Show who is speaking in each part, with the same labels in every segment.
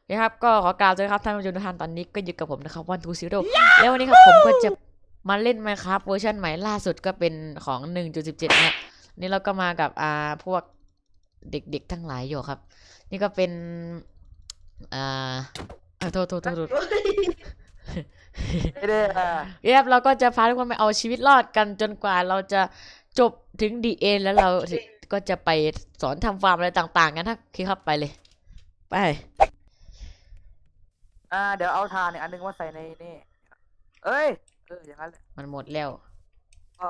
Speaker 1: นะครับก็ขอกล่าวเลยครับท่านผู้ชมทุกท่านตอนนี้ก็อยู่กับผมนะครับวันทูซิโร่แล้ววันนี้ครับผมก็จะมาเล่น Minecraft เวอร์ชันใหม่ล่าสุดก็เป็นของ 1.17 เนี่ยนี่เราก็มากับพวกเด็กๆทั้งหลายอยู่ครับนี่ก็เป็นอ่าโทษ
Speaker 2: ไม่ได้
Speaker 1: เรียบเราก็จะพาทุกคนไปเอาชีวิตรอดกันจนกว่าเราจะจบถึงดีเอ็นแล้วเราก็จะไปสอนทำฟาร์มอะไรต่างๆกันถ้าคิดครับไปเลยไป
Speaker 2: เดี๋ยวเอาทานอีกอันนึงมาใส่ในนี่เอ้ยอย่างนั้นแหละ
Speaker 1: มันหมดแล้ว
Speaker 2: ก็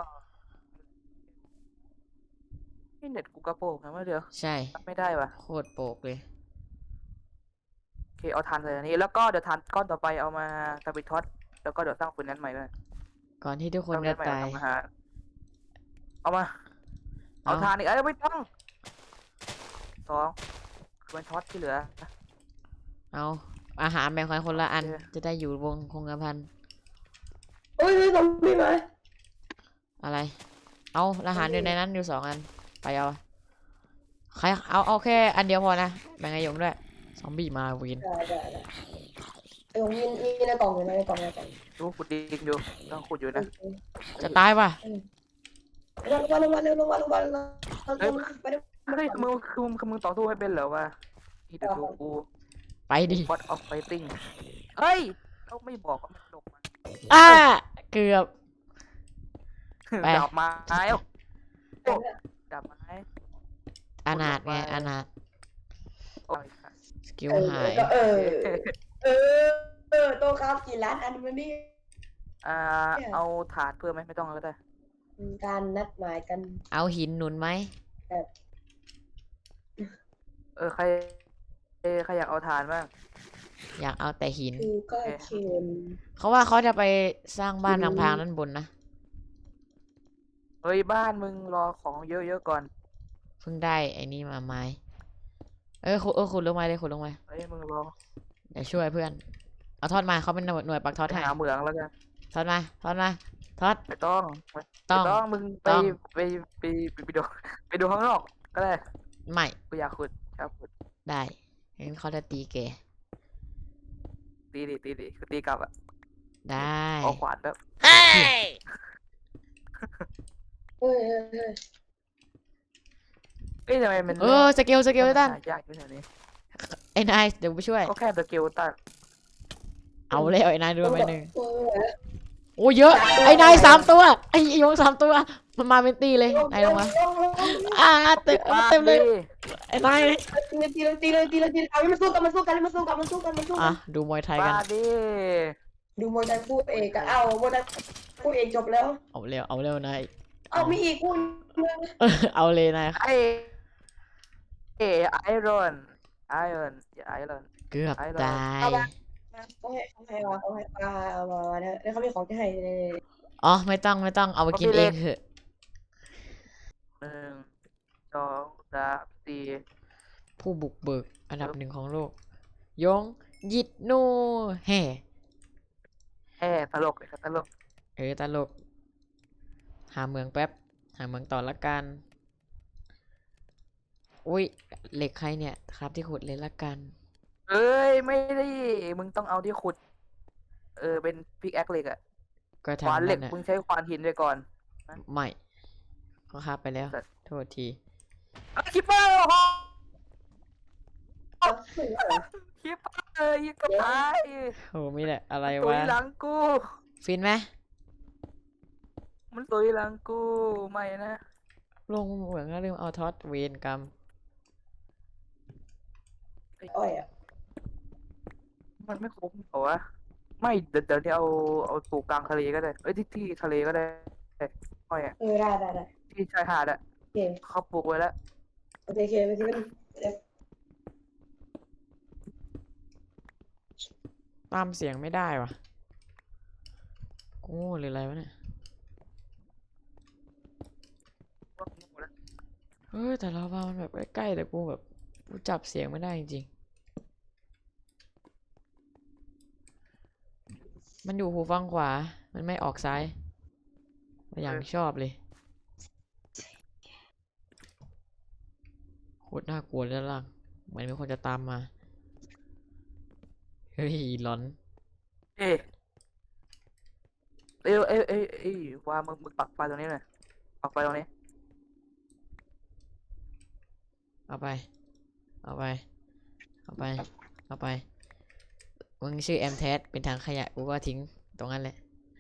Speaker 2: นี่เน็ตกูกระโปงนะเมื่อเดียว
Speaker 1: ใช่
Speaker 2: ไม่ได้ว่ะ
Speaker 1: โคตรโปกเลย
Speaker 2: โอเคเอาทานใส่อันนี้แล้วก็เดี๋ยวทานก้อนต่อไปเอามาทำเป็นท็อตแล้วก็เดี๋ยวสร้างฟืนนั้นใหม่ด้วย
Speaker 1: ก่อนที่ทุกคน
Speaker 2: สร้างฟืนนั้นใหม่
Speaker 1: จะตาย
Speaker 2: ทำอาหารเอามาเอา
Speaker 1: เอา
Speaker 2: ทานอีกไม่ต้อง2คือเป็นท็อตที่เหลือ
Speaker 1: เอาอาหารแบ่งกันคนละอัน
Speaker 2: โอเค
Speaker 1: จะได้อยู่วงคงกระพัน
Speaker 3: เฮ้ยซอมบี้มา
Speaker 1: อะไรเอาอาหารอยู่ในนั้นอยู่2 อันไปเอาใครเอาแค่อันเดียวพอนะแบ่งไอ้หยงด้วยซอมบี้มาวิน
Speaker 3: ได้เออมีในกล่องอยู่ในกล่อง
Speaker 2: ดูขุดดินอยู่ต้องขุดอยู่นะ
Speaker 1: จะตายป่ะ
Speaker 3: ลงมาเร็วลงมาไปเร็ว
Speaker 2: เฮ้ยมึงต่อสู้ให้เป็นเหรอวะนี่เดี๋ยวดูกู
Speaker 1: ไปดิ
Speaker 2: บอทออฟไฟติ้งเฮ้ยเราไม่บอกว่ามันลงมา
Speaker 1: เกือบ ไป
Speaker 2: ดาบไม้โอ้ดาบไม้
Speaker 1: อนาถไงอนาถ
Speaker 2: โอ้ย
Speaker 1: สกิลหาย
Speaker 3: ก็โตครับกี่ล้านอันมันนี่
Speaker 2: เอาถาดเพิ่มไหมไม่ต้องก็ได้
Speaker 3: การนัดหมายกัน
Speaker 1: เอาหินหนุนไหม
Speaker 2: ใครอยากเอาถาดบ้าง
Speaker 1: อยากเอาแต่หิน
Speaker 3: คือก็เค็ม
Speaker 1: เขาว่าเขาจะไปสร้างบ้านพังๆด้านบนนะ
Speaker 2: เฮ้ยบ้านมึงรอของเยอะๆก่อน
Speaker 1: เพิ่งได้ไอ้นี่มาไม้ขุดลงมาเลยขุดลงมา
Speaker 2: เฮ้ยมึงรอ
Speaker 1: เดี๋ยวช่วยเพื่อนเอาทอดมาเขาเป็นหน่วยปักทอด
Speaker 2: ไป
Speaker 1: ให้
Speaker 2: หาเหมืองแล้วกัน
Speaker 1: ทอดมาทอด
Speaker 2: ไม่ต้อง มึงไปดูข้างนอกก็ได้
Speaker 1: ไม่
Speaker 2: กูอยากขุดครับขุด
Speaker 1: ได้งั้นเขาจะตีแก
Speaker 2: ตีดิคือตีกลับ
Speaker 1: ได้
Speaker 2: เอาขวานแบบ
Speaker 3: เฮ้ย
Speaker 2: ทำไมมัน
Speaker 1: สเกลด้วยตั้น
Speaker 2: ยากอยู่แถวนี้
Speaker 1: ไอ้นายเดี๋ยวไปช่วย
Speaker 2: ก็แค่สเกลตัน
Speaker 1: เอาเลยไอ้นายดูไปหนึ่งโอ้เยอะไอ้นาย3 ตัวไอ้ยง3 ตัวมันมาเป็นตีเลยนายลงมาเต็มเลยไอ้นาย
Speaker 3: ตีเลยมันสู้กัน
Speaker 1: ดูมวยไทย
Speaker 2: บ้า
Speaker 1: กัน
Speaker 2: ดิ
Speaker 3: ดูโมดันคู่เอกอะโมดันคู่เอกจบแล้ว
Speaker 1: เอาเร็วนาย
Speaker 3: มีอีกคู่
Speaker 1: เอาเลยนาย
Speaker 2: ไอรอน
Speaker 1: เกือบตาย
Speaker 3: เขาให้มาแล้วเขามีของที่ให้
Speaker 1: อ๋อไม่ต้องเอาไปกินเองเถอะ
Speaker 2: 1 2 3 4
Speaker 1: ผู้บุกเบิกอันดับ1ของโลกยงยิดนูแห่
Speaker 2: ตลกเลยครับตลก
Speaker 1: ตลกหาเมืองแป๊บหาเมืองต่อละกันอุ้ยเหล็กใครเนี่ยครับที่ขุดเลยละกัน
Speaker 2: เอ้ยไม่ได้มึงต้องเอาที่ขุดเป็นพิกแอคเหล็ก
Speaker 1: ก็
Speaker 2: ขวาน
Speaker 1: ทำ
Speaker 2: เหล็
Speaker 1: นั่
Speaker 2: ก
Speaker 1: นน่ะ
Speaker 2: มึงใช้ขวานหินไปก่อน
Speaker 1: ไม่เขาคาบไปแล้วโทษที
Speaker 2: คิปเปอร์คิปเปอร์ยิงกับตาย
Speaker 1: โอ้ไม่ได้อะไร
Speaker 2: ตุ
Speaker 1: วะ
Speaker 2: ยหลังกู
Speaker 1: ฟินไหม
Speaker 2: มันตุยหลังกูไม่นะ
Speaker 1: ลงเหมืองก็ลืมเอาท็อตเวนกรรม
Speaker 3: อ้อย
Speaker 2: มันไม่คุ้มเหรอวะไม่เดี๋ยวนี้เอาปลูกกลางทะเลก็ได้ที่ทะเลก็ได้อ้อย
Speaker 3: ได้
Speaker 2: ที่ชายหาด
Speaker 3: โอเค
Speaker 2: เขาปลูกไว้แล้ว
Speaker 3: โอเคไปที่มัน
Speaker 1: ตามเสียงไม่ได้วะกูโง่หรืออะไรวะเนี่ยแต่เราว่ามันแบบใกล้ๆแต่กูแบบกูจับเสียงไม่ได้จริงๆมันอยู่หูฟังขวามันไม่ออกซ้ายอย่างชอบเลยโคตรน่ากลัวเลยด้านล่างเหมือนมีคนจะตามมาฮ้ยร้อน
Speaker 2: เอ๊ะเอ้ยว่ามึงปักไฟตรงนี้หน่อยปักไฟตรงนี้
Speaker 1: เอาไป เอาไป เอาไป เอาไป มึงชื่อแอมแทสเป็นทางขยะกูก็ทิ้งตรงนั้นแหละ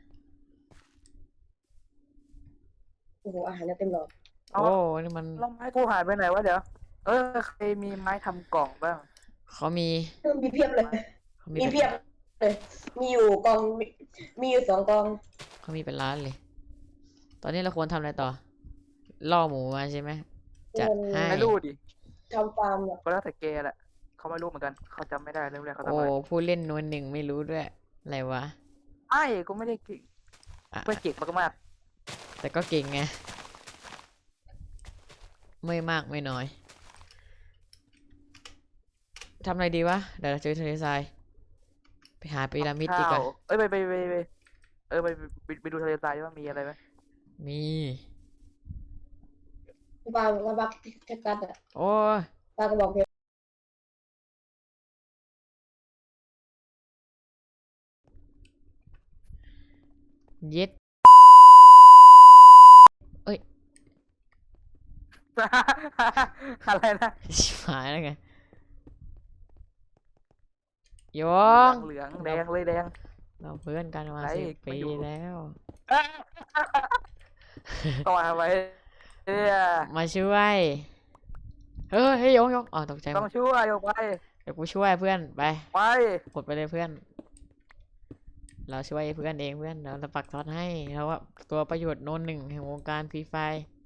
Speaker 3: โอ้โหอาหารเนี่ยเต็มหลอด
Speaker 2: เอา
Speaker 1: โอ้นี่มัน
Speaker 2: แล้วไม้กูหายไปไหนวะเดี๋ยวใครมีไม้ทำกล่องบ้าง
Speaker 1: เขามี
Speaker 3: มีเพียบเลย
Speaker 1: เขามี
Speaker 3: มี
Speaker 1: เป็น
Speaker 3: เพียบเลยมีอยู่กองมีอยู่2 กอง
Speaker 1: เขามีเป็นล้านเลย ตอนนี้เราควรทำอะไรต่อ ล่อหมูมาใช่ไหม จัดให้
Speaker 2: ไม่รู้ดิ
Speaker 3: ทำฟาร์มเนี่ย
Speaker 2: ก็แล้วแต่แกแหละเขาไม่รู้เหมือนกันเขาจำไม่ได้เรื่องแรกเขาทำ
Speaker 1: โอ้
Speaker 2: อะไร
Speaker 1: ผู้เล่นนวลหนึ่งไม่รู้ด้วย อะไรวะ
Speaker 2: ไม่กูไม่ได้เก่ง
Speaker 1: อ่ะ
Speaker 2: เพื่อนเก่งมาก
Speaker 1: แต่ก็เก่งไง ไม่มากไม่น้อย ทำอะไรดีวะ เดี๋ยวเราเจอทะเลทราย ไปหาพีระมิดดีกว่า
Speaker 2: เอ้ยไปไปดูทะเลทรายว่ามีอะไรไหม
Speaker 1: มี
Speaker 3: ปลากระบอกแคคตัสอะ
Speaker 1: โอ้ย
Speaker 3: ปลากระบอกเพชร
Speaker 1: เย็ด
Speaker 2: อะไรนะ
Speaker 1: ชิบหายแล้วไงโยง
Speaker 2: เหลืองแดงเลยแดง
Speaker 1: เราเพื่อนกันมา
Speaker 2: ไหน
Speaker 1: 10 ปี
Speaker 2: มาอยู่
Speaker 1: แล้ว
Speaker 2: ต่อไว้เนี่ย
Speaker 1: มาช่วย เฮ้ยโยงอ๋อตกใจหม
Speaker 2: ต้อง
Speaker 1: ด
Speaker 2: ช่วยออกไป
Speaker 1: เดี๋ยวกูช่วยเพื่อน ไป
Speaker 2: ไป
Speaker 1: กดไปเลยเพื่อน เราช่วยเพื่อนเองเพื่อนเราจะปักท็อตให้เราว่าตัวประโยชน์โน้นหนึ่งแห่งวงการฟรีไฟ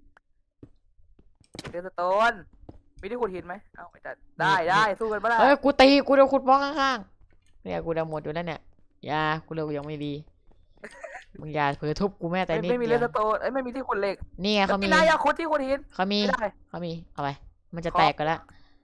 Speaker 2: เดสโตนมีที่ขุดหินไหมเอ้าไม่ได้ได้สู้กันปะล่ะ
Speaker 1: เฮ้ยกูตีกูโดนขุดบล็อกข้างๆเนี่ยกูโดนหมดอยู่แล้วเนี่ยอย่ากูเร็วยังไม่ดีมึงอย่าเผลอทุบกูแม่แต่นิด
Speaker 2: ไม่มี
Speaker 1: เดี
Speaker 2: เด
Speaker 1: ยว
Speaker 2: สโตนไม่มีที่ขุดเหล็ก
Speaker 1: นี่ไงเขามี
Speaker 2: ไม่ได้อยากขุดที่ขุดหิน
Speaker 1: เขามี
Speaker 2: ไม่ได้
Speaker 1: เขามีเอาไปมันจะ
Speaker 2: ขอ
Speaker 1: แตกกันแล้ว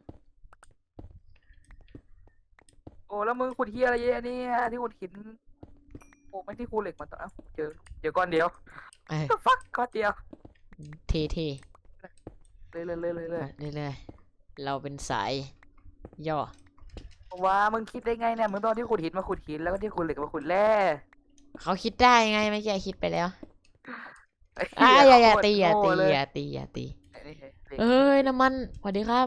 Speaker 2: โอ้แล้วมึงขุดเฮียอะไรเยอะเนี่ยที่ขุดหินโอ้ไม่ที่ขุดเหล็กมันต้องเจอก้อนเดียว
Speaker 1: เอ้ย
Speaker 2: ฟักก้อนเดียว
Speaker 1: เท่
Speaker 2: เลย
Speaker 1: ๆไปเรื่อยๆเราเป็นสายย่อ
Speaker 2: ว่ามึงคิดได้ไงเนี่ยมึงตอนที่ขุดหินมาขุดหินแล้วก็ที่ขุดเหล็กมาขุดแร่
Speaker 1: เขาคิดได้ไงไม่ใช่คิดไปแล้ว
Speaker 2: ไอ้
Speaker 1: อ่ะ
Speaker 2: เหี้
Speaker 1: อย่า
Speaker 2: โคตร
Speaker 1: ตีอย่า
Speaker 2: โง่
Speaker 1: ตี
Speaker 2: เลย
Speaker 1: อย่าตีอย่าตี
Speaker 2: ไอ้นี่เหล็ก
Speaker 1: เอ้ยน้ำมันสวัสดีครับ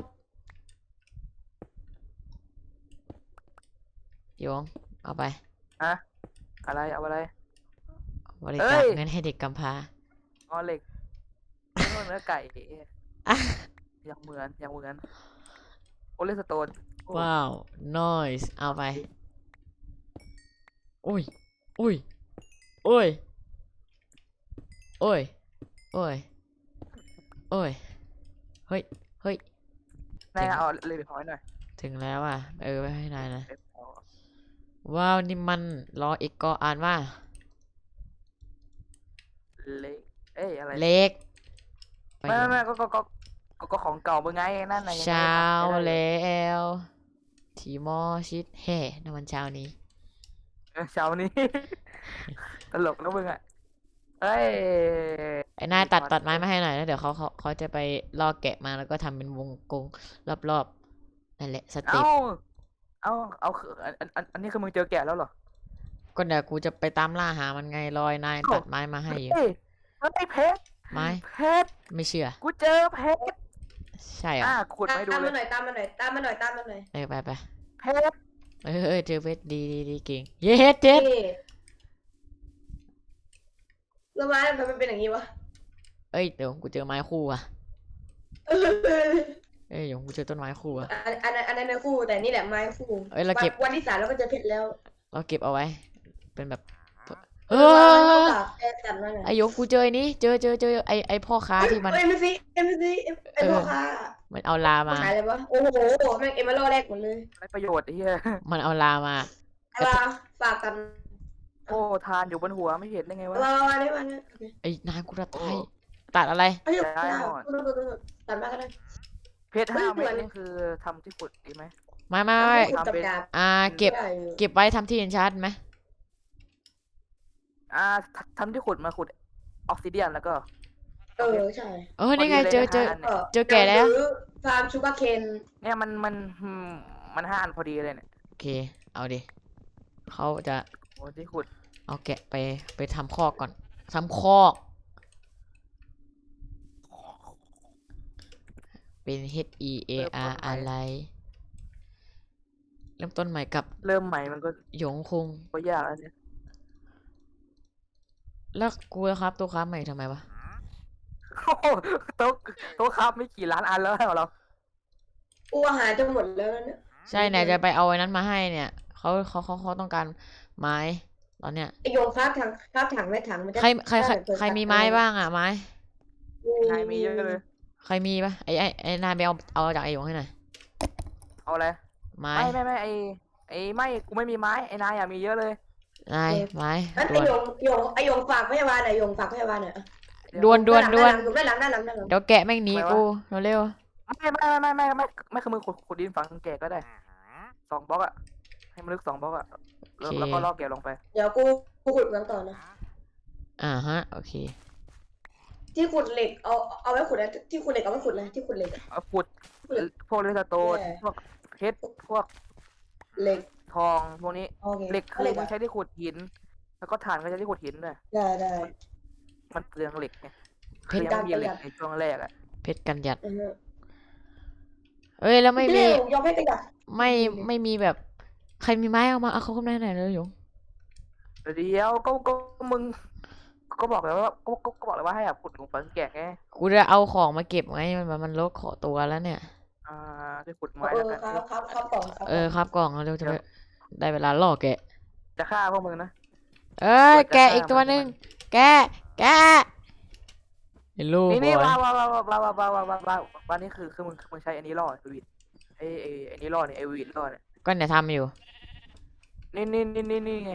Speaker 1: โยงเอาไป
Speaker 2: อะไรเอาอะไร
Speaker 1: บริ
Speaker 2: เอ้
Speaker 1: จาค
Speaker 2: ย
Speaker 1: เงินให้เด็กกำพร้า
Speaker 2: อ๋อเหล็กเนื้อไก่
Speaker 1: อ่ะ
Speaker 2: อย่างเหมือนโอเลสโตน
Speaker 1: ว้าว noise เอาไปอุ้ยอุ้ยโอ้ยโอ้ยโอ้ยโอ้ยเฮ้ยเฮ้ย
Speaker 2: นายเอาเลยไปพอยหน่อย
Speaker 1: ถึงแล้วอ่ะไปให้นายนะ
Speaker 2: เล็บเอา
Speaker 1: ว้าวนี่มันรออีกก็อ่านว่า
Speaker 2: เล็กเอ้ยอะไร
Speaker 1: เล็ก
Speaker 2: ไม่ก็ของเก่ามึงไงนั่นไง
Speaker 1: เช้าแล้วทีมอชิดแห่ในวันเช้านี้
Speaker 2: เช้านี้ ตลกนะมึงอ่ะเอ้ย
Speaker 1: ไอ้นายตัดไม้มาให้หน่อยแล้วเดี๋ยวเขาจะไปล่อแกะมาแล้วก็ทำเป็นวงกลมรอบๆนั่นแหละสเต็ป
Speaker 2: เอาคืออันนี้คือมึงเจอแกะแล้วเหรอ
Speaker 1: ก็เดี๋ยวกูจะไปตามล่าหามันไงรอยนายตัดไม้มาให้อยู่
Speaker 2: เฮ้ยเพชร
Speaker 1: ไม้
Speaker 2: เพชร
Speaker 1: ไม่เชื่อ
Speaker 2: กูเจอเพชร
Speaker 1: ใช่เหรอ
Speaker 2: ขุดไปดู
Speaker 3: ตาม
Speaker 2: เล
Speaker 3: มาย หน่อยตามมาหน่อยตามมาหน่อยตามมาหน่อย
Speaker 1: ไป
Speaker 2: เพชร
Speaker 1: เจอเพชรดีเก่งเย็ดเจ็ด
Speaker 3: นี่แล้วไม้ทำไมมันเป็นอย่างนี้วะ
Speaker 1: เดี๋ยวกูเจอไม้คู่อ่ะเดี๋ยวกูเจอต้นไม้คู่อ่ะ
Speaker 3: อันนั้นในคู่แต่นี่แหละไม้คู่
Speaker 1: เราเก็บ
Speaker 3: วันที่ 3เราก็จะเพชรแล้ว
Speaker 1: เราเก็บเอาไว้ เป็นแบบ
Speaker 3: เอ
Speaker 1: เอ
Speaker 3: อ
Speaker 1: อ
Speaker 3: แค่ตัดมาหน่อย
Speaker 1: ไอโยงกูเจอไอ้นี้เจอไอพ่อค้าที่มัน
Speaker 3: เอ็มซีไอ้พ่อค้า
Speaker 1: มันเอาลามา
Speaker 3: ขายอะไรวะโอ้โหแม่งเอ็มมาล่อแรกหมดเลย
Speaker 2: ไรประโยชน์ไอ้เหี้ย
Speaker 1: มันเอาลามา
Speaker 3: อะไรฝากกัน
Speaker 2: โอ้ทานอยู่บนหัวไม่เห็นได้ไงวะ
Speaker 3: รอได้มาเนี่ย
Speaker 1: ไอ้นายกูจะตายตัดอะไร
Speaker 3: เอ้ย
Speaker 2: ได้หมด
Speaker 3: ตัดมาก็ได้
Speaker 2: เพชร5 เม็ดนี่คือทำที่ขุดดีไหม
Speaker 1: ไม่
Speaker 2: ทำเป็น
Speaker 1: เก็บไว้ทำที่เอนชาร์ดไหม
Speaker 2: ทำที่ขุดมาขุดออกซิเดียนแล้วก็
Speaker 3: ใช่
Speaker 1: นี่ไง
Speaker 2: พอดี
Speaker 1: เจอ
Speaker 2: เลยนะ
Speaker 1: เจอแก่แล้ว
Speaker 3: ฟาร์มชูการ์เคน
Speaker 2: เนี่ยมัน5 อันพอดีเลยเนี่ย
Speaker 1: โอเคเอาดิเขาจะ
Speaker 2: โอ้ที่ขุด
Speaker 1: เอาแกะไปทำคอกก่อนทำคอกเป็น HEAR อะไรเริ่มต้นใหม่กับ
Speaker 2: เริ่มใหม่มันก็
Speaker 1: หยงคุง
Speaker 2: ยากแล้วเนี่ย
Speaker 1: แล้วกูจะครับตัวครับใหม่ทำไมวะ
Speaker 2: โอ้โหโต๊ะครับไม่กี่ล้านอันแล้วเหรอ
Speaker 3: กูอาหารจะหมดแล้วเนี่ย
Speaker 1: ใช่เนี่ยจะไปเอาไอ้นั้นมาให้เนี่ยเขาต้องการไม้ตอนเนี้ย
Speaker 3: ไอโยงคราบถังไม่ถังมันจะ
Speaker 1: ใครมีไม้บ้างอ่ะไม้
Speaker 2: นายมีเยอะเลย
Speaker 1: ใครมีปะไอ้นายไปเอาจากไอ้หยงให้หน่อย
Speaker 2: เอาอะไร
Speaker 1: ไม้
Speaker 2: ไม่ไม่กูไม่มีไม้ไอ้นายอะมีเยอะเลย
Speaker 1: นายไม้
Speaker 3: ไอ
Speaker 1: ด่วน
Speaker 3: โยงฝากพยาบาลหน่อยโยงฝากพยาบาลหน่อย
Speaker 1: ด่วน
Speaker 3: ด้านหลัง
Speaker 1: เดี๋ยวแกะแม่งหนีกูเร็ว
Speaker 2: ไม่คือมึงขุดดินฝังแกะก็ได้2 บล็อกอะให้มันลึก2 บล็อกอะแล้วก็ลอกแกะลงไป
Speaker 3: เดี๋ยวกูขุดเหมืองต่อนะ
Speaker 1: ฮะโอเค
Speaker 3: ที่ขุดเหล็กเอาไว้ขุดนะที่ขุดเหล็กเอาไว้ขุดนะที่ขุดเหล็ก
Speaker 2: เอาขุดพวกเรสโตนพวกเพชรพวก
Speaker 3: เหล็ก
Speaker 2: ทองพวกนี้
Speaker 3: โอเค
Speaker 2: เหล็กคือมันใช้ที่ขุดหิน แล้วก็ถ่านก็ใช้ที่ขุดหินด้วย
Speaker 3: ได้
Speaker 2: มันเปลืองเหล็กไง
Speaker 1: เพ
Speaker 2: คือ
Speaker 1: ชร
Speaker 2: ยังไม่มีเหล็กในช่วงแรกอะ
Speaker 1: เพชรกันหยัดเอ้ยแล้วไม่มี
Speaker 3: ยอมให้กัน
Speaker 1: ไม่มีแบบใครมีไม้เอามาเอาเขาเข้ามาไหนเลยหยง
Speaker 2: เดี๋ยวก็มึงก็บอกแล้วว่าก็บอกแล้วว่าให้แบบขุดลงฝังแกะไง
Speaker 1: กูจะเอาของมาเก็บไงมันลดขอตัวแล้วเนี่ย
Speaker 2: ที่ขุดไม้แล้วกัน
Speaker 3: ครับก่อน
Speaker 1: ครับกล่องเร็วจะได้เวลาล่อแกะ
Speaker 2: จะฆ่าพวกมึงนะ
Speaker 1: เอ้ยแกะอีกตัวหนึ่งแกะเฮลโลบ
Speaker 2: นี่
Speaker 1: อย
Speaker 2: ว่านี่คือมึงใช้อันนี้ล่อไอวีดไอ้นี่ล่อเนี่ยไอวีดล่อเนี่ย
Speaker 1: ก็เนี่ยทำอยู่
Speaker 2: นี่ไง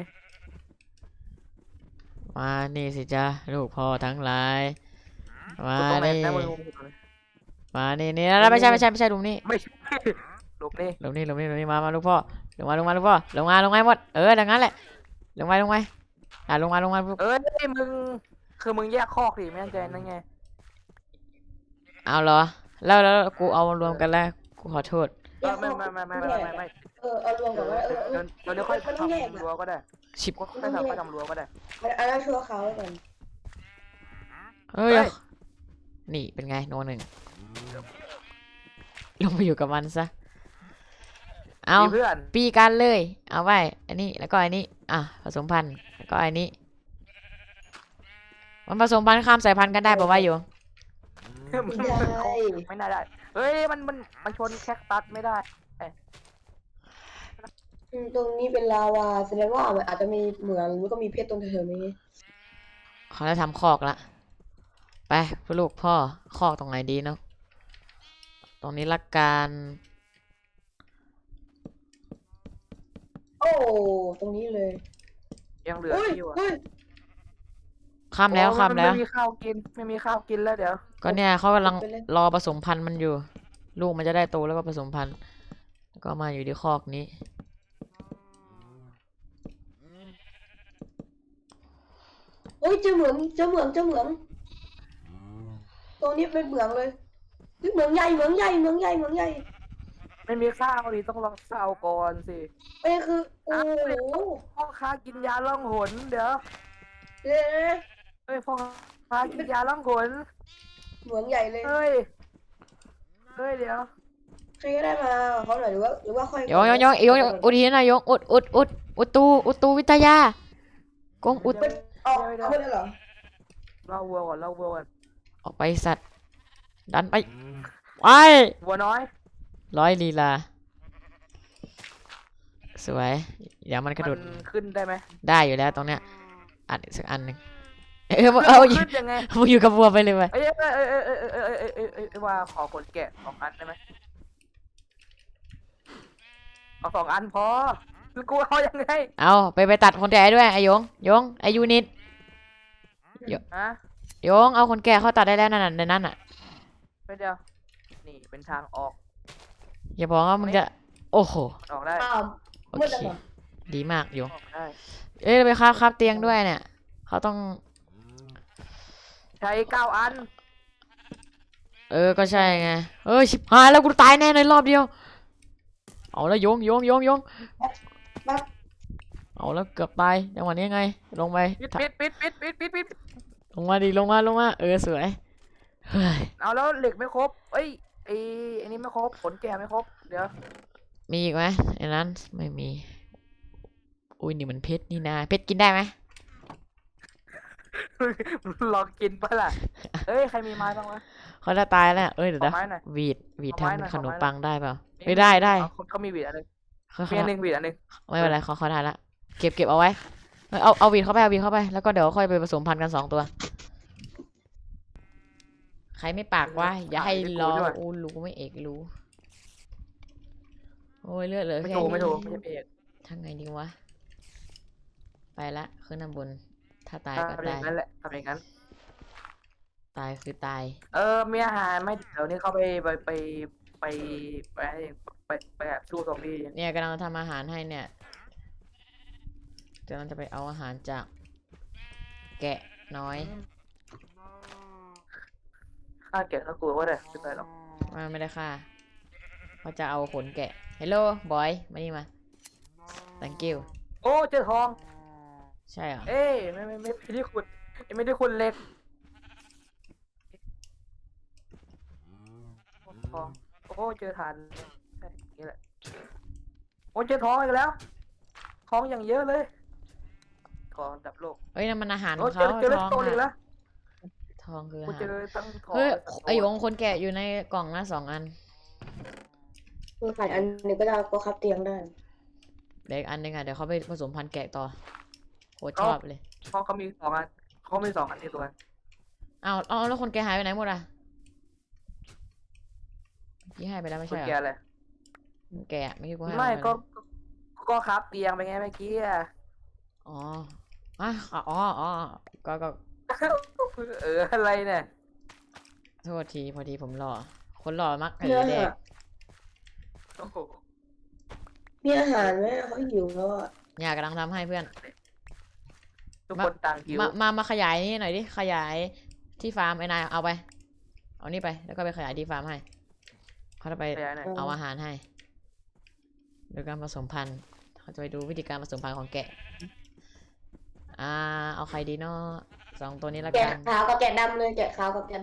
Speaker 1: มานี่สิจ้าลูกพ่อทั้งหลายมา
Speaker 2: ตรงไหน
Speaker 1: นี่
Speaker 2: นะมึง
Speaker 1: มานี่แล้วไม่ใช่หลุมนี่
Speaker 2: ไม่ใช่หลบนี่
Speaker 1: หลุมนี่มาลูกพ่อลงมาลูกพ่อลงมาหมดดังนั้นแหละลงมาลงมาลูก
Speaker 2: เอ้ยมึงคือมึงแยกคอกดิไม่แน่ใจนั่นไง
Speaker 1: เอาเหรอแล้วกูเอารวมกันแล้วกูขอโทษ
Speaker 2: ไม่
Speaker 3: เอารวมก่อนว่า
Speaker 2: เดี๋ยวค่อยทำรั้วก็ได้
Speaker 1: ชิบ
Speaker 2: ค่อยทำรั้วก็ได้
Speaker 3: อันนั้นชั่วเขาก่อน
Speaker 1: เฮ้ยนี่เป็นไงโนหนึ่งลงไปอยู่กับมันซะเอา
Speaker 2: เพื่อน
Speaker 1: ปีกันเลย เอาไว้ อันนี้ แล้วก็อันนี้ ผสมพันธุ์ แล้วก็อันนี้ มันผสมพันธุ์ข้ามสายพันธุ์กันได้ป่าวะอยู่
Speaker 2: ไม่น่าได้เฮ้ยมันชนแคคตัสไม่ได้
Speaker 3: ตรงนี้เป็นลาวาแสดงว่ามันอาจจะมีเหมืองหรือก็มีเพชรตรงแถวๆนี้
Speaker 1: เขาจะทำคอกละ ไปลูกพ่อ คอกตรงไหนดีเนาะ ตรงนี้ละกัน
Speaker 3: โอ้ตรงนี้เลย
Speaker 2: ยังเหลืออยู่อ่ะ
Speaker 1: ข้ามแล้ว
Speaker 2: ไม่มีข้าวกินแล้วเดี๋ยว
Speaker 1: ก็เนี่ยเขากำลังรอผสมพันธุ์มันอยู่ ลูกมันจะได้โตแล้วก็ผสมพันธุ์ แล้วก็มาอยู่ที่คอกนี้
Speaker 3: โอ้ยเจอเหมืองตรงนี้เป็นเหมืองเลยเหมืองใหญ่
Speaker 2: ไม่มีข้าวดิต้องลองข้าวก่อนสิ
Speaker 3: ไอ้คือโอ้โห
Speaker 2: พ่อค้ากินยาล่องหนเดี๋ยว
Speaker 3: เดี๋ยว
Speaker 2: เฮ้ยพ่อค้ากินยาล่องหน
Speaker 3: เหมืองใหญ่เลย
Speaker 2: เฮ้ยเดี๋ยว
Speaker 3: ใครก็ได้มาเขาหน่อยหรือว่าค่อย
Speaker 1: ยงอุทีนะยงอุตูวิทยากงอุด
Speaker 3: เอาไม่ได้เหรอ
Speaker 2: เล่าวัวก่อน
Speaker 1: ออกไปสัตว์ ดันไปไป
Speaker 2: วัวน้อย
Speaker 1: ร้อยลีลา สวย เดี๋ยวมันกระโดด
Speaker 2: มันขึ้นได้ไหม
Speaker 1: ได้อยู่แล้วตรงเนี้ยอัดอีกสักอันหนึ่งอยู่
Speaker 2: ขึ้นยังไง
Speaker 1: มึงอยู่กับวัวไปเลยไป
Speaker 2: ว่าขอขนแกะ2 อันได้ไหมเอา2 อันพอคือกูเอายังไง
Speaker 1: เอาไปตัดคนแก่ด้วยไอยงไอยูนิต
Speaker 2: ฮะ
Speaker 1: ยงเอาคนแก่เข้าตัดได้แล้วนั่นในนั้นอ่ะ
Speaker 2: ไม่เดียวนี่เป็นทางออก
Speaker 1: อย่าบอกว่ามึงจะโอ้โห
Speaker 2: ออกได้
Speaker 3: อ้าว
Speaker 1: โอ
Speaker 3: มืด
Speaker 1: เค
Speaker 3: แล้วเหรอ
Speaker 1: ดีมากยง
Speaker 2: ออกได้
Speaker 1: ไปครับเตียงด้วยเนี่ยเขาต้อง
Speaker 2: ใช้9 อัน
Speaker 1: ก็ใช่ไงชิบหายแล้วกูตายแน่ในรอบเดียวเอาแล้วยง
Speaker 3: ปั๊บ
Speaker 1: เอาแล้วเกือบตายจังหวะนี้ไงลงไป
Speaker 2: ปิด
Speaker 1: ลงมาดิลงมาสวยเฮ้ย
Speaker 2: เอาแล้วเหล็กไม่ครบเอ้ยไอ้นี่ไม่ครบขนแก่ไม่ครบเดี๋ยว
Speaker 1: มีอีกไหมไอ้นั้นไม่มีอุ้ยนี่มันเพชรนี่นาเพชรกินได้ไหม
Speaker 2: ลองกินปะล่ะเอ้ยใครมีไม้บ้างวะ
Speaker 1: เขาจะตายแล้วเอ้ยเดี๋ยว
Speaker 2: ขอ
Speaker 1: นะ
Speaker 2: ไม้หน่อย
Speaker 1: วีด
Speaker 2: ขอไม้หน่อย
Speaker 1: ทำขนม
Speaker 2: ขอไม้หน่อย
Speaker 1: ปังได้เปล่าไม่ได้
Speaker 2: เขามีหวีดอันหนึง
Speaker 1: เขา
Speaker 2: มีอันหนึงหวีดอันหนึง
Speaker 1: ไม่เป็นไรเขาได้ละเก็บเอาไว้เอาวีดเข้าไปแล้วก็เดี๋ยวค่อยไปผสมพันธุ์กัน2 ตัวใครไม่ปากวะอย่าให้รออูรู้ไม่เอกรู้โอ้ยเลือดเหลือ
Speaker 2: ไม่
Speaker 1: แค่
Speaker 2: ถูก
Speaker 1: นี้
Speaker 2: ไม่ถูกไม่ใช่เอก
Speaker 1: ทางไงดีวะไปละขึ้นน้ำบนถ้าตายก็
Speaker 2: ทำอ
Speaker 1: ตา
Speaker 2: ย่าย งนั้นแหละทำอย่างนั้น
Speaker 1: ตายคือตาย
Speaker 2: มีอาหารไหม่เดี๋ยวนี้เขาไปสู้ซอมบี้
Speaker 1: เนี่ยกำลังทำอาหารให้เนี่ยกำลังจะไปเอาอาหารจากแกะน้อย
Speaker 2: ข้าแกะข้ากลัวว่าได้ไม่เป็นไรหรอก
Speaker 1: ไม่ได้ค่ะเขาจะเอาขนแกะ Hello boy มานี่มา thank you
Speaker 2: โอ้เจอทอง
Speaker 1: ใช่เหรอ
Speaker 2: เอ้ยไม่ได้ขุดไม่ได้ขุดเหล็กทองโอ้เจอฐานใช่นี่แหละโอ้เจอทองอีกแล้วทองอย่างเยอะเลยทองดับโลก
Speaker 1: เอ้ยนั่นมันอาหารข
Speaker 2: โอ้
Speaker 1: อง
Speaker 2: เจ
Speaker 1: เขา
Speaker 2: อเลส
Speaker 1: ทอง
Speaker 2: โตนอีกแล้
Speaker 1: อะ
Speaker 2: ว
Speaker 1: ทองคือ
Speaker 2: โอ้
Speaker 1: อา
Speaker 2: เจ
Speaker 1: หาร
Speaker 2: อตั้งทอง
Speaker 1: เฮ้ย
Speaker 2: และสโตน
Speaker 1: ไอหยงคนแกะอยู่ในกล่องนะ2 อัน
Speaker 3: คือขายอันหนึงก็ได้ก็คับเตียงได้
Speaker 1: เด็กอันหนึงอ่ะเดี๋ยวเขาไปผสมพันธุ์แกะต่อโคตรชอบเลย
Speaker 2: ทองเขามี2 อันเขามี2 อันในตัว
Speaker 1: เอาแล้วคนแกะหายไปไหนหมดอ่ะพี่ให้ไปแล้วไม่
Speaker 2: คุ
Speaker 1: ใช่
Speaker 2: ณ
Speaker 1: เหร
Speaker 2: แก
Speaker 1: อ
Speaker 2: เลย
Speaker 1: แกะไม่ใช่กูให้
Speaker 2: ไม่
Speaker 1: นป
Speaker 2: ก็ครับเตียงไปไงเมื่อกี้อะ
Speaker 1: อ๋ออ๋อก็
Speaker 2: อะไรเนี่ย
Speaker 1: โทษทีพอดีผมหล่อคนหล่อมัก
Speaker 3: มีอา
Speaker 1: แด
Speaker 3: หาร
Speaker 1: ก
Speaker 2: โอ้โห
Speaker 3: มีอาหารไหมเขาหิวแล้วอ่ะ
Speaker 1: อยากกำลังทำให้เพื่อน
Speaker 2: ทุกคนต่างหิว
Speaker 1: มาขยายนี่หน่อยดิขยายที่ฟาร์มไอ้นายเอาไปเอานี่ไปแล้วก็ไปขยายที่ฟาร์มให้เขาจะไป
Speaker 2: ขยายหน่อย
Speaker 1: เอาอาหารให้โดยการผสมพันธุ์เขาจะไปดูวิธีการผสมพันธุ์ของแกะเอาใครดีเนาะ2 ตัวนี้ละ
Speaker 3: แกะ
Speaker 1: กัน
Speaker 3: ขาวกับแกะดำเลยแกะขาวกับแกะด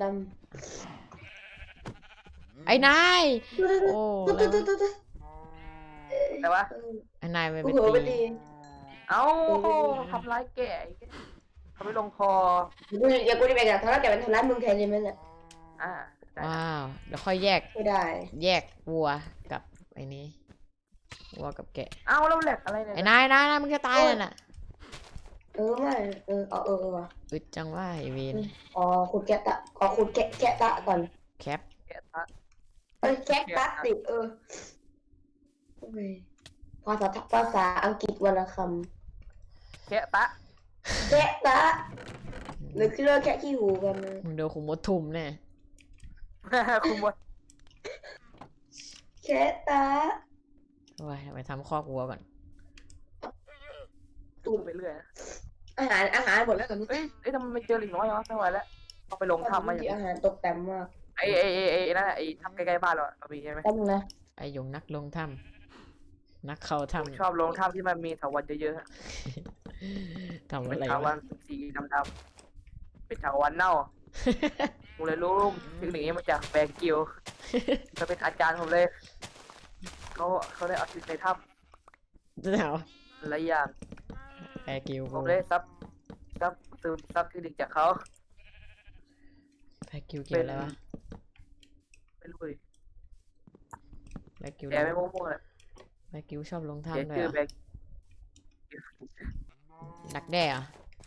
Speaker 1: ไอ้นาย
Speaker 3: ำ
Speaker 1: โอ้
Speaker 3: ตุ๊ด
Speaker 1: แล้ว
Speaker 3: ตุ๊ดตุ๊ดตุ๊ด
Speaker 2: แต่ว่า
Speaker 1: ไอ้นายไป
Speaker 3: โอ้โหไป
Speaker 1: ตี
Speaker 3: ตี
Speaker 2: เอ้าทำร้ายแก่เขาไม่ลงคอ
Speaker 3: อย่ากูจะไปกับทาร่าแกเป็นทาร่ามึงแทนใช่ไหมเนี่ย
Speaker 2: ได้
Speaker 1: ว้าวเดี๋ยวค่อยแยก
Speaker 3: ไม่ได้
Speaker 1: แยกวัวกับไอ้นี้วัวกับแกะ
Speaker 2: เอ้าแล้วแหลกอะไรเนี่ย
Speaker 1: ไอ้นายมึงจะตายแล้วน่ะ
Speaker 3: ไม่ว่ะ
Speaker 1: อึดจังว่าไอ้เวน
Speaker 3: อ๋อขุดแกะตะขุดแกะตะก่อน
Speaker 1: แคป
Speaker 2: แกะตะ
Speaker 3: แกะตะสิภาษาอังกฤษวรรณค
Speaker 2: แกะตะ
Speaker 3: ำแกะตะหรือคือเรื่องแกะขี้หูกันนะ
Speaker 1: มึงเดี๋ยวขุมมดทุ่มแน่
Speaker 2: คุณบด
Speaker 3: แกะตะ
Speaker 1: ว้ายไปทำคอกวัวก่อน
Speaker 2: ตุ้มไปเรื่อย
Speaker 3: อาหารหมดแล้วเหรอ
Speaker 2: เอ้ยทำไมไม่เจอลิงน้อยวะไม่ไหวแล้วเอาไปลงทำมาอย่าง
Speaker 3: อาหารตกแต่งมาก
Speaker 2: ไอ้นั่นไอ้ทำใกล้ๆบ้านเราเรามีใช่ไหม
Speaker 3: แป๊บนึงนะ
Speaker 1: ไอ้ยงนักลงถ้ำนักเข้าถ้
Speaker 2: ชอบลงทำที่มันมีถาวรเยอะ
Speaker 1: ำทำ
Speaker 2: ๆ
Speaker 1: อะ
Speaker 2: เป็น
Speaker 1: ไร
Speaker 2: ถาว
Speaker 1: วะ
Speaker 2: รสีดำๆเป็นถาวรเน่าผมเลยรู้เทคนิคนี้มาจากแบงกิวเขาเป็นอาจารย์ผมเลยเขาได้เอาชีวิตในถ้
Speaker 1: จะถาม
Speaker 2: ำหลายอย่าง
Speaker 1: แปรกิว
Speaker 2: ผ
Speaker 1: กู
Speaker 2: มเลยซึมซับเทคนิคจากเขา
Speaker 1: แปรกิวเกี่ยวอะไรวะ
Speaker 2: ไม่รู้เลย
Speaker 1: แปรกิว
Speaker 2: แกไม่มั่วๆเลย
Speaker 1: แปรกิวชอบลง
Speaker 2: แก
Speaker 1: ถ้ำด้วย
Speaker 2: ชื่อ
Speaker 1: เหร
Speaker 2: แบ
Speaker 1: อง ดักแด้เหรอ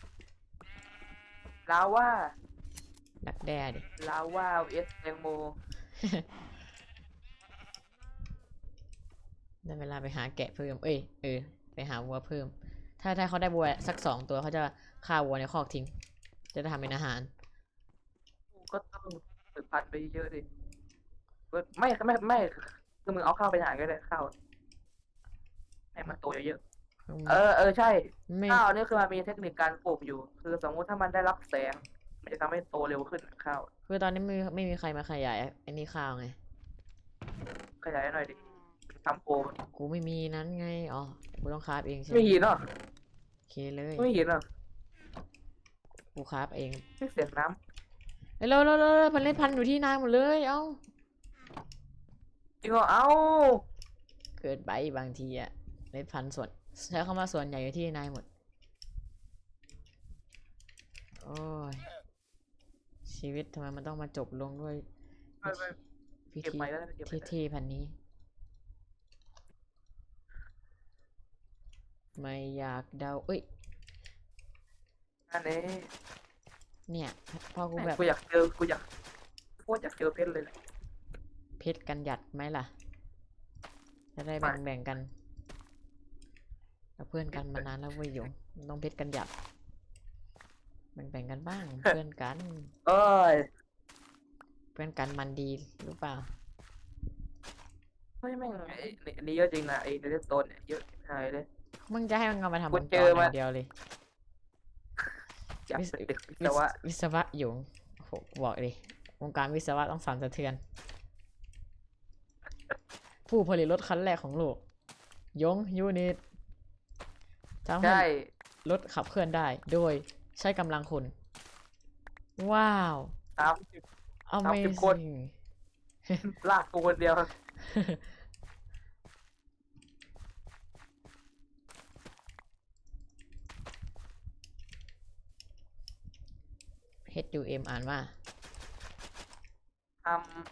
Speaker 2: ลาว่า
Speaker 1: ดักแด้ดิ
Speaker 2: ลาว่าเอสแตงโม
Speaker 1: ได้เวลาไปหาแกะเพิ่มไปหาวัวเพิ่ม ถ้าเขาได้วัวสัก2 ตัวเขาจะฆ่าวัวในคอกทิ้ง จะได้ทำเป็นอาหาร
Speaker 2: ก็ต้องฝึกพันไปเยอะดิไม่คือมึงเอาข้าวไปหาก็ได้ข้าวให้มันโตเยอะๆใช่
Speaker 1: ไม่
Speaker 2: ข้าวนี่คือมันมีเทคนิคการปลูกอยู่ คือสมมุติถ้ามันได้รับแสง มันจะทำให้โตเร็วขึ้นข้าว
Speaker 1: คือตอนนี้ไม่มีใครมาขยายไอ้นี่ข้าวไง
Speaker 2: ขยายหน่อยดิทำโก
Speaker 1: กูไม่มีนั้นไง อ๋อ กูต้องคราฟเองใช่ไหม
Speaker 2: ไม่หินเนาะ
Speaker 1: เคเลย
Speaker 2: ไม่เห็นอ่ะ
Speaker 1: กูครับเอง
Speaker 2: ไม่เสียงน้
Speaker 1: เฮ้ยเราพันเล่นพันอยู่ที่นายหมดเลยเอ้า
Speaker 2: ำจริงเหรอเอ้า
Speaker 1: เกิดไปบางทีอะเล่นพันส่วนใช้คำว่าส่วนใหญ่อยู่ที่นายหมดโอ้ยชีวิตทำไมมันต้องมาจบลงด้วย
Speaker 2: ไปไป
Speaker 1: พิ
Speaker 2: เก็บ
Speaker 1: ธี
Speaker 2: ไปแล้วเก็บไปแล้ว
Speaker 1: เท่ๆพันนี้ ไม่อยากเดาเอ้ย
Speaker 2: อันนี้
Speaker 1: เนี่ยพอกูแบบ
Speaker 2: กูอยากเจอกูอยากโคตรอยากเจอเพชรเลยแหละ
Speaker 1: เพชรกันหยัดไหมล่ะ จะได้
Speaker 2: ไม่
Speaker 1: แบ่งกันเราเพื่อนกันมานานแล้วเว้ยหยงต้องเพชรกันหยัดแบ่งกันบ้าง เพื่อนกัน
Speaker 2: เอ้ย
Speaker 1: เพื่อนกันมันดีหรือเปล่า
Speaker 2: ไม่แม่งไอ้นี่เยอะจริงนะไอ้เดสโตนเนี่ยเยอะหายเลย
Speaker 1: มึงจะให้มันเอามาทำ
Speaker 2: กู
Speaker 1: วงจ
Speaker 2: เจ
Speaker 1: ร
Speaker 2: อ
Speaker 1: อ
Speaker 2: มา
Speaker 1: ย่างเดียวเลย
Speaker 2: อยาก
Speaker 1: วิศ
Speaker 2: เป็นเด็กวิ
Speaker 1: วิ
Speaker 2: ศ
Speaker 1: ศ
Speaker 2: วะ
Speaker 1: วิศวะหยงโหบอกดิวงการวิศวะต้องสั่นสะเทือน ผู้ผลิตรถคันแรกของโลกยงยูนิตทำให้
Speaker 2: ใช่
Speaker 1: รถขับเคลื่อนได้ โดยใช้กำลังคน ว้าว
Speaker 2: 30 คน
Speaker 1: Amazing
Speaker 2: ลากกูคนเดียว
Speaker 1: HUM อ่านว่า
Speaker 2: ท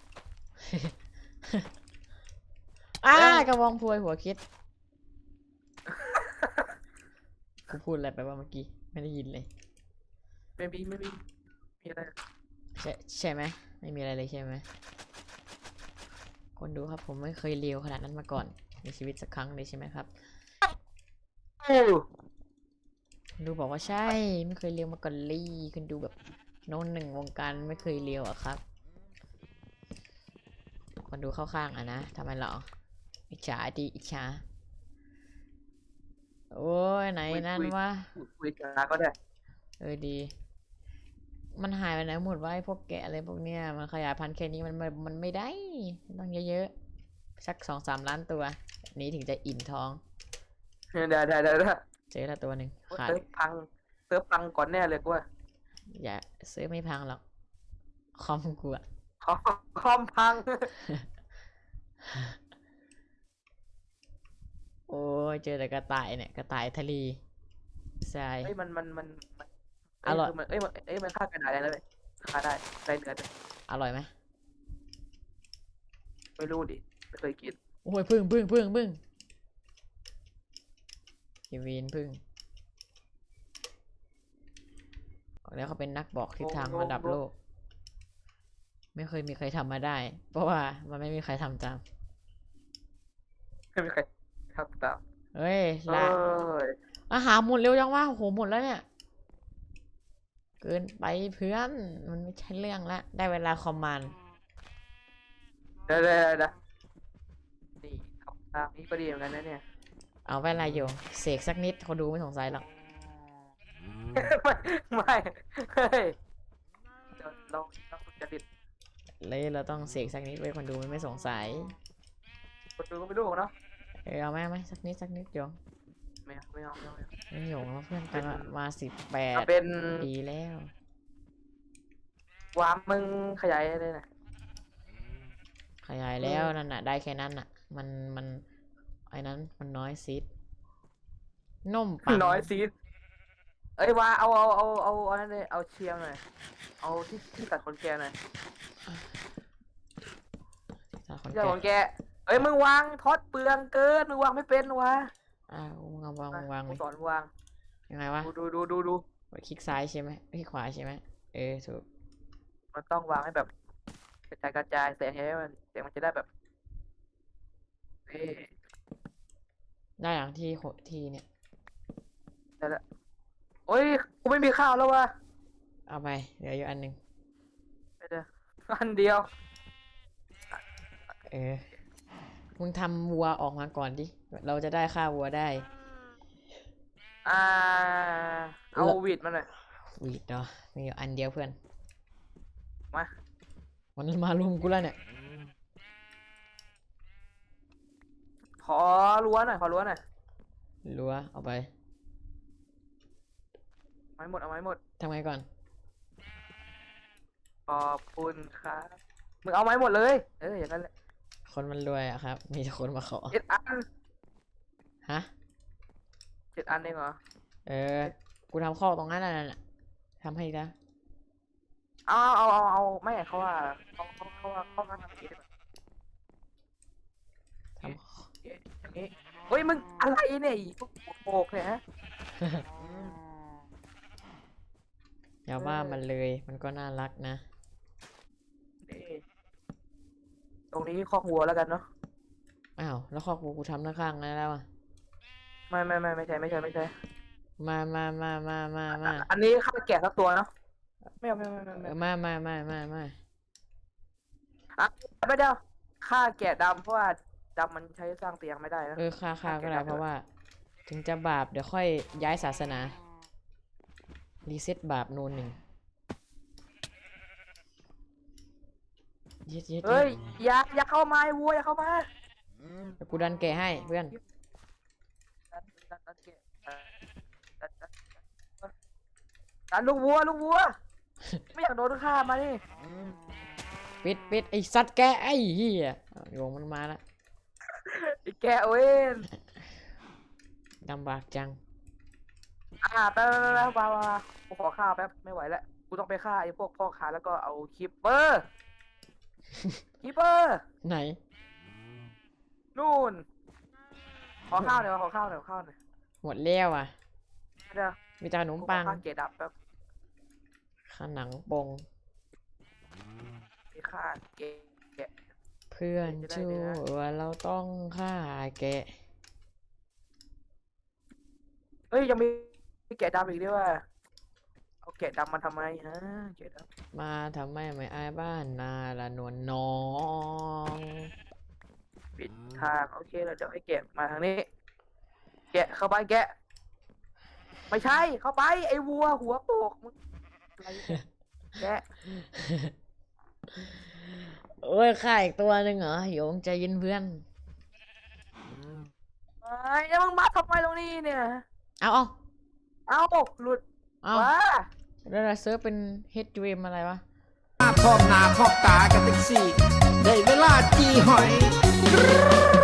Speaker 1: อ้า
Speaker 2: เอ้ย
Speaker 1: กระบองพลวยหัวคิด กูพูดอะไรไปว่าเมื่อกี้ ไม่ได้ยินเลย
Speaker 2: ำไม่มีอะไร
Speaker 1: ใช่ไหม ไม่มีอะไรเลยใช่ไหม คนดูครับผมไม่เคยเลวขนาดนั้นมาก่อน ในชีวิตสักครั้งเลยใช่ไหมครับ คนดูบอกว่าใช่ ไม่เคยเลวมาก่อนเลยคนดูแบบโน้นหนึ่งวงการไม่เคยเลวอะครับ คนดูเข้าข้างอะนะทำไมหรอ อิจฉาดีอิจฉา โอ้ยไหนนั่นวะ
Speaker 2: คุยกันก็ได้
Speaker 1: ดี มันหายไปไหนหมดวะไอ้พวกแกะอะไรพวกเนี้ยมันขยายพันธุ์แค่นี้มันไม่ได้ต้องเยอะๆสัก2-3 ล้านตัวนี้ถึงจะอิ่มท้อง
Speaker 2: ได้
Speaker 1: เจอละตัวหนึ่งขาด
Speaker 2: เซิร์ฟพังก่อนแน่เลยกูว่า
Speaker 1: อย่าซื้อไม่พังหรอกคอมกูอะ
Speaker 2: คอมพัง
Speaker 1: โอ้ยเจอแต่กระต่ายเนี่ยกระต่ายทะเลใช่
Speaker 2: เอ้ยมัน
Speaker 1: อร่อย
Speaker 2: มันฆ่ากระดาษได้เลยฆ่าได้เนื้อด้วย
Speaker 1: อร่อยไหม
Speaker 2: ไม่รู้ดิไม่เคยกิน
Speaker 1: โอ้ยพึ่งกีวีนพึ่งบอกแล้วเขาเป็นนักบอกทิศทางระดับโลก ไม่เคยมีใครทำมาได้ เพราะว่ามันไม่มีใครทำตาม
Speaker 2: ไม่มีใครทำตาม
Speaker 1: เฮ้ย
Speaker 2: เอ้
Speaker 1: ละ
Speaker 2: ย
Speaker 1: อาหารหมดเร็วจังวะโอ้โหหมดแล้วเนี่ย เกินไปเพื่อน มันไม่ใช่เรื่องละ ได้เวลาคอมมานด์
Speaker 2: เดี๋ยวนี่ทำตามนี่ก็ดีเหมือนกันนะเนี่ย
Speaker 1: เอาเวลาอยู่เสกสักนิดเขาดูไม่สงสัยหรอก
Speaker 2: ไม่เฮ้ยเดี๋ยวเราสุจริต
Speaker 1: เลยเราต้องเสกสักนิดไว้คนดูมันไม่สงสัย
Speaker 2: คนดูก็ไม่รู้เนาะ
Speaker 1: เอาไหมสักนิดโยง
Speaker 2: ไม่เอา
Speaker 1: ไม่โยงแล้วเพื่อนกันมา
Speaker 2: เอา
Speaker 1: 18
Speaker 2: เป็น
Speaker 1: ดีแล้ว
Speaker 2: วามมึงขยายเลยนะ
Speaker 1: ขยายแล้วนั่นน่ะ ได้แค่นั้นน่ะ มันไอ้นั้นมันน้อยซิดนมปัง
Speaker 2: น้อยซีดเอ้ยว่าเอาอันนั้นเลยเอาเชียงหน่อยเอาที่ตัดขนแกหน่อย
Speaker 1: ถ้าคน
Speaker 2: เจ้า
Speaker 1: แก่
Speaker 2: ขนแกเอ้ยมึงวางทอดเปลืองเกินมึงวางไม่เป็นวะ
Speaker 1: มึงเอาวาง
Speaker 2: กู
Speaker 1: เลย
Speaker 2: สอนวาง
Speaker 1: ยังไงวะ
Speaker 2: ดู
Speaker 1: คลิกซ้ายใช่ไหมคลิกขวาใช่ไหมถูก
Speaker 2: มันต้องวางให้แบบกระจายแสงให้มันเสียงมันจะได้แบบเอ้ย
Speaker 1: ได้อย่างที่เนี่ย
Speaker 2: ได้ละโอ้ยกูไม่มีข้าวแล้ววะ
Speaker 1: เอาไปเหลืออยู่อันหนึง
Speaker 2: ไม่ได้อันเดียว
Speaker 1: มึงทำวัวออกมาก่อนดิเราจะได้ฆ่าวัวได้
Speaker 2: เอาวีดมาหน่อย
Speaker 1: วีดเนาะมีอยู่อันเดียวเพื่อน
Speaker 2: มา
Speaker 1: มันมารุมกูแล้วเนี่ย
Speaker 2: ขอรั้วหน่อย
Speaker 1: รั้วเอาไป
Speaker 2: ไม้หมดเอาไม้หมด
Speaker 1: ทำไงก่อน
Speaker 2: ขอบคุณครับมึงเอาไม้หมดเลยอย่างนั้นแหละ
Speaker 1: คนมันรวยอะครับ มีแต่คนมาขอ
Speaker 2: 7 อัน
Speaker 1: ฮะ
Speaker 2: 7 อันเองเหรอ
Speaker 1: กูทำข้อตรงนั้นน่ะทำให้อีกนะ
Speaker 2: เอาไม่เขาว่าเขาทำอย่างนี้ดีกว่า
Speaker 1: ท
Speaker 2: อย่างนี้เฮ้ยมึงอะไรเนี่ยอีพวกโปกเนี่ยฮะ
Speaker 1: ำอย่าว่ามันเลย มันก็น่ารักนะ
Speaker 2: นี่ตรงนี้คอกวัวแล้วกันเนาะ
Speaker 1: อ้าว แล้วข้อกูทำข้างๆนั้นแล้วอ่ะ
Speaker 2: ไม่ใช่
Speaker 1: มา
Speaker 2: อันนี้ข้าแกะสักตัวเนาะไม่
Speaker 1: มา
Speaker 2: ไม่เดียวข้าแกะดำเพราะว่าดำมันใช้สร้างเตียงไม่ได้นะ
Speaker 1: ค่าก็ได้เพราะว่า ถึงจะบาปเดี๋ยวค่อยย้ายศาสนา รีเซ็ตบาปนูนหนึ่งเย็ด
Speaker 2: เฮ้ยอย่าเข้ามาไอ้วัวอย่าเข้ามา
Speaker 1: เดี๋ยวกูดันแกะให้เพื่อน
Speaker 2: ดันลูกวัวไม่อยากโดนฆ่ามาดิ
Speaker 1: ปิดไอสัตว์แกะไอ้เหี้ยโยงมันมาละ
Speaker 2: ไอ้แกเว้น
Speaker 1: ลำบากจัง
Speaker 2: แป๊บมากูขอข้าวแป๊บไม่ไหวแล้วกูต้องไปฆ่าไอ้พวกพ่อค้าแล้วก็เอาคิปเปอร์
Speaker 1: ไหน
Speaker 2: นู่นขอข้าวหน่อย
Speaker 1: หมดแล้วอ่ะ
Speaker 2: เดี๋ยว
Speaker 1: มีแต่ขนมปัง
Speaker 2: ข้าเกดับแป๊บ
Speaker 1: ข้าหนังปง
Speaker 2: ไปฆ่าเกะ
Speaker 1: เพื่อนชั่วเราต้องฆ่าแกะ
Speaker 2: เฮ้ยยังมีแกะดำอีกด้วยว่าเอาแกะดำมาทำไมฮะแกะดำ
Speaker 1: มาทำไมไม่อายบ้านนาละนวลน้อง
Speaker 2: ปิดทางโอเคแล้วเดี๋ยวให้แกะมาทางนี้ แกะเข้าไปแกะ ไม่ใช่เข้าไปไอ้วัวหัวโปกมึงอะไรเนี่ยแกะ
Speaker 1: โอ้ยฆ่าอีกตัวหนึ่งเหรอโยงใจเย็นเพื่อน
Speaker 2: ไอ้แล้วมึงมาทำไมตรงนี้เนี่ย
Speaker 1: เอา
Speaker 2: หลุด
Speaker 1: เอา
Speaker 2: ว้า
Speaker 1: แล้วเราเซิร์ฟเป็น HUM อะไรวะ
Speaker 4: พร้อมหน้าพร้อมตากันแท็กซี่ได้เวลาจีหอย